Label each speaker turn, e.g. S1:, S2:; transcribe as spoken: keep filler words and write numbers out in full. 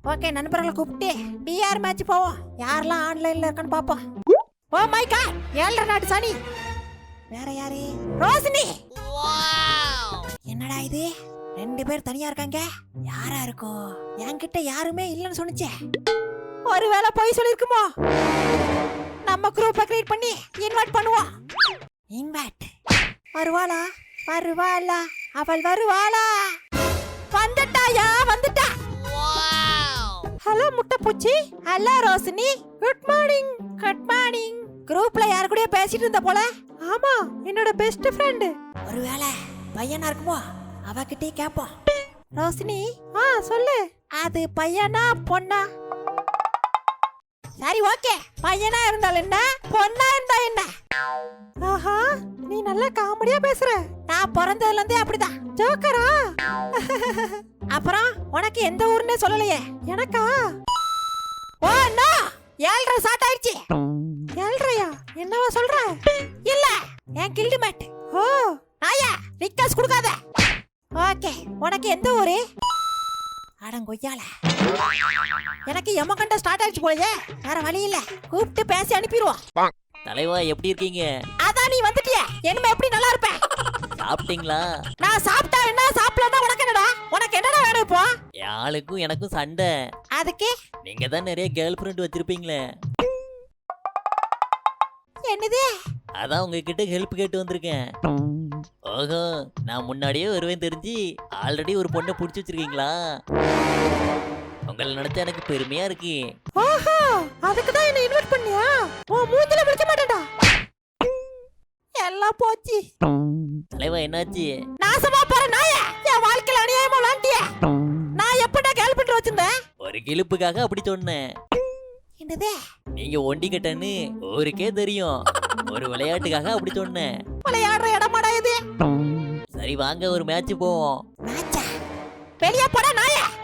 S1: Okay, நண்பர்களை கூப்பிட்டு TR match போவோம். யாரெல்லாம் ஆன்லைன்ல இருக்கான்னு பாப்போம். ஓ மை காட், ஏழரை நாட்டு சனி. வேற யாரு? ரோஷினி. என்னடா இது, ரெண்டு பேர் தனியா இருக்காங்க. யாரா இருக்கும்? என்கிட்ட யாருமே இல்லைன்னு சொன்னுச்சே. ஒருவேளை போய் சொல்லிருக்குமோ? நம்ம குரூப்பை கிரியேட் பண்ணி இன்வைட் பண்ணுவோம். இன்வைட். வருவாளா வருவாளா அவள் வருவாளா? வந்துட்டாயா? வந்துட்டா. ஹலோ முட்டைப்பூச்சி. Hello Roshini. Good morning. Good morning. குரூப்ல யாரு கூட பேசிட்டு இருந்த போல? ஆமா, என்னோட பெஸ்ட் ஃப்ரெண்ட். ஒருவேளை பையனா இருக்குமோ? அவகிட்டே கேப்போம். ரோஷினி, ஆ சொல்லு. அது பையனா பொண்ணா? சரி ஓகே, பையனா இருந்தால் என்ன, பொண்ணா இருந்தா என்ன? ஆஹா, நீ நல்லா காமெடியா பேசுற. நான் பிறந்ததுல இருந்தே அப்படிதான். ஜோக்கரா? அப்புறம் உனக்கு எந்த ஊர்னே சொல்லலையே. எனக்கா? ஓ நோ, ஏழ்ரை ஸ்டார்ட் ஆயிடுச்சு. ஏழ்ரையா? என்னவா சொல்ற? இல்ல, என் கில்டு மேட். ஓ நாயா, ரிக்வெஸ்ட் கொடுக்காத. ஓகே, உனக்கு எந்த ஊரு? அடங்கொய்யால, எனக்கு எமகண்ட ஸ்டார்ட் ஆயிடுச்சு போலயே. வேற வழி இல்ல, கூப்பிட்டு பேசி அனுப்பிடுவோம்.
S2: தலைவா எப்படி இருக்கீங்க?
S1: அதான் நீ வந்துட்டிய, இனிமே எப்படி நல்லா இருப்ப?
S2: சாப்பிட்டீங்களா?
S1: நான் சாப்பிட்டா என்ன, சாப்பிடலன்னா உனக்கு என்னடா? உனக்கு என்னடா வேணும் இப்போ?
S2: யாளுக்கும் எனக்கும் சண்டை.
S1: அதுக்கு
S2: நீங்க தான் நிறைய கேர்ள் ஃப்ரெண்ட் வச்சிருப்பீங்களே.
S1: என்னது?
S2: அதான் உங்ககிட்ட ஹெல்ப் கேட்டு வந்திருக்கேன். ஓஹோ, நான் முன்னாடியே வருவேன் தெரிஞ்சு ஆல்ரெடி ஒரு பொண்ணை புடிச்சு வச்சிருக்கீங்களா? உங்களை நினைச்சா எனக்கு பெருமையா இருக்கு.
S1: ஓஹோ, அதுக்கு தான் என்ன இன்வைட் பண்ணியா? ஓ மூஞ்சில விழிக்க மாட்டேன்டா. எல்லாம் போச்சு.
S2: தலைவா என்னாச்சு?
S1: நாசமா போற நாயே, என் வாழ்க்கையில அநியாயமா விளாண்டிய. நான் எப்படா கேர்ள் ஃப்ரெண்ட் வச்சிருந்தேன்?
S2: ஒரு கிளிப்புக்காக அப்படி சொன்னேன்.
S1: என்னது?
S2: நீங்க ஒண்டி கட்டன்னு ஊருக்கே தெரியும். ஒரு விளையாட்டுக்காக அப்படி சொன்னேன்.
S1: விளையாடுற இடமாடா இது?
S2: சரி வாங்க ஒரு மேட்ச் போவோம்.
S1: மேட்சா? வெளிய போடா நாயே.